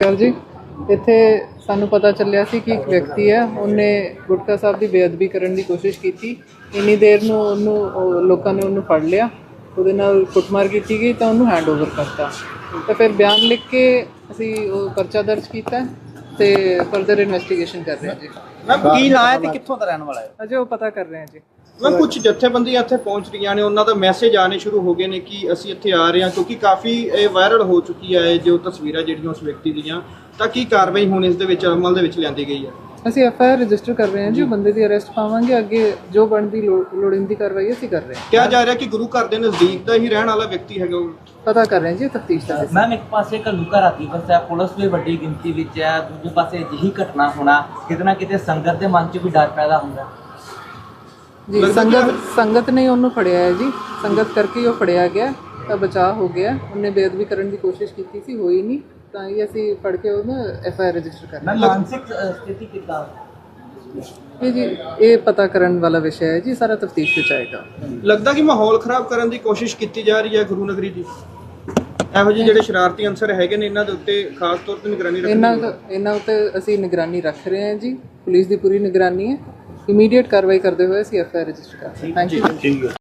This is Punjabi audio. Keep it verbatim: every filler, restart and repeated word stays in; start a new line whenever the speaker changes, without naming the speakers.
ਅਕਾਲ ਜੀ। ਇੱਥੇ ਸਾਨੂੰ ਪਤਾ ਚੱਲਿਆ ਸੀ ਕਿ ਇੱਕ ਵਿਅਕਤੀ ਹੈ, ਉਹਨੇ ਗੁਟਕਾ ਸਾਹਿਬ ਦੀ ਬੇਅਦਬੀ ਕਰਨ ਦੀ ਕੋਸ਼ਿਸ਼ ਕੀਤੀ। ਇੰਨੀ ਦੇਰ ਨੂੰ ਉਹਨੂੰ ਲੋਕਾਂ ਨੇ ਉਹਨੂੰ ਫੜ ਲਿਆ, ਉਹਦੇ ਨਾਲ ਕੁੱਟਮਾਰ ਕੀਤੀ ਗਈ ਤਾਂ ਉਹਨੂੰ ਹੈਂਡ ਓਵਰ ਕਰਤਾ। ਤਾਂ ਫਿਰ ਬਿਆਨ ਲਿਖ ਕੇ ਅਸੀਂ ਉਹ ਪਰਚਾ ਦਰਜ ਕੀਤਾ ਤੇ ਫਰਦਰ ਇਨਵੈਸਟੀਗੇਸ਼ਨ ਕਰ ਰਹੇ ਹਾਂ ਜੀ।
ਮੈਮ ਕੀ ਨਾਂ ਹੈ ਤੇ ਕਿੱਥੋਂ ਦਾ ਰਹਿਣ ਵਾਲਾ ਹੈ?
ਅਜੇ ਉਹ ਪਤਾ ਕਰ ਰਹੇ ਹਾਂ ਜੀ।
ਮੈਂ ਕੁਝ ਜਥੇਬੰਦੀਆਂ ਇੱਥੇ ਪਹੁੰਚ ਰਹੀਆਂ ਨੇ, ਉਹਨਾਂ ਦਾ ਮੈਸੇਜ ਆਣੇ ਸ਼ੁਰੂ ਹੋ ਗਏ ਨੇ ਕਿ ਅਸੀਂ ਇੱਥੇ ਆ ਰਹੇ ਹਾਂ, ਕਿਉਂਕਿ ਕਾਫੀ ਇਹ ਵਾਇਰਲ ਹੋ ਚੁੱਕੀ ਹੈ ਜੋ ਤਸਵੀਰਾਂ ਜਿਹੜੀਆਂ ਉਸ ਵਿਅਕਤੀ ਦੀਆਂ। ਤਾਂ ਕੀ ਕਾਰਵਾਈ ਹੁਣ ਇਸ ਦੇ ਵਿੱਚ ਅਮਲ ਦੇ ਵਿੱਚ ਲਿਆਂਦੀ ਗਈ ਹੈ?
ਅਸੀਂ ਐਫ ਆਈ ਆਰ ਰਜਿਸਟਰ ਕਰ ਰਹੇ ਹਾਂ ਜੀ, ਬੰਦੇ ਦੀ ਅਰੈਸਟ ਪਾਵਾਂਗੇ। ਅੱਗੇ ਜੋ ਬਣਦੀ ਲੋੜੀਂਦੀ ਕਾਰਵਾਈ ਅਸੀਂ ਕਰ ਰਹੇ ਹਾਂ।
ਕਿਹਾ ਜਾ ਰਿਹਾ ਕਿ ਗੁਰੂ ਘਰ ਦੇ ਨਜ਼ਦੀਕ ਦਾ ਹੀ ਰਹਿਣ ਵਾਲਾ ਵਿਅਕਤੀ ਹੈਗਾ ਉਹ।
ਪਤਾ ਕਰ ਰਹੇ ਹਾਂ ਜੀ, ਤਫਤੀਸ਼ ਦਾ।
ਮੈਮ ਇੱਕ ਪਾਸੇ ਘੱਲੂਘਾਰਾ ਰਾਤੀ ਵਸਿਆ, ਪੁਲਿਸ ਵੀ ਵੱਡੀ ਗਿਣਤੀ ਵਿੱਚ ਹੈ, ਦੂਜੇ ਪਾਸੇ ਅਜਿਹੀ ਘਟਨਾ ਹੋਣਾ ਕਿਤੇ ਨਾ ਕਿਤੇ ਸੰਗਤ ਦੇ ਮਨ 'ਚ ਵੀ ਡਰ ਪੈਦਾ ਹੁੰਦਾ
ਜੀ। ਸੰਗਤ ਸੰਗਤ ਨੇ ਉਹਨੂੰ ਫੜਿਆ ਹੈ ਜੀ, ਸੰਗਤ ਕਰਕੇ ਉਹ ਫੜਿਆ ਗਿਆ ਤਾਂ ਬਚਾਅ ਹੋ ਗਿਆ। ਉਹਨੇ ਬੇਅਦਬੀ ਕਰਨ ਦੀ ਕੋਸ਼ਿਸ਼ ਕੀਤੀ ਸੀ, ਹੋਈ ਨਹੀਂ, ਤਾਂ ਇਹ ਅਸੀਂ ਫੜ ਕੇ ਉਹਨੂੰ ਐਫ ਆਈ ਆਰ ਰਜਿਸਟਰ ਕਰਨਾ।
ਮਾਨਸਿਕ ਸਥਿਤੀ ਕਿੱਦਾਂ
ਇਹ ਜੀ ਇਹ ਪਤਾ ਕਰਨ ਵਾਲਾ ਵਿਸ਼ਾ ਹੈ ਜੀ, ਸਾਰਾ ਤਫਤੀਸ਼ ਵਿੱਚ ਆਏਗਾ।
ਲੱਗਦਾ ਕਿ ਮਾਹੌਲ ਖਰਾਬ ਕਰਨ ਦੀ ਕੋਸ਼ਿਸ਼ ਕੀਤੀ ਜਾ ਰਹੀ ਹੈ ਗੁਰੂ ਨਗਰੀ ਦੀ। ਇਹੋ ਜਿਹੇ ਜਿਹੜੇ ਸ਼ਰਾਰਤੀ ਅੰਸਰ ਹੈਗੇ ਨੇ, ਇਹਨਾਂ ਦੇ ਉੱਤੇ ਖਾਸ ਤੌਰ ਤੇ ਨਿਗਰਾਨੀ ਰੱਖਣੀ
ਇਹਨਾਂ ਇਹਨਾਂ ਉੱਤੇ ਅਸੀਂ ਨਿਗਰਾਨੀ ਰੱਖ ਰਹੇ ਹਾਂ ਜੀ। ਪੁਲਿਸ ਦੀ ਪੂਰੀ ਨਿਗਰਾਨੀ ਹੈ। ਇਮੀਡੀਏਟ ਕਾਰਵਾਈ ਕਰਦੇ ਹੋਏ ਅਸੀਂ ਐਫ ਆਈ ਆਰ ਰਜਿਸਟਰ ਕਰ ਰਹੇ ਹਾਂ। Thank you.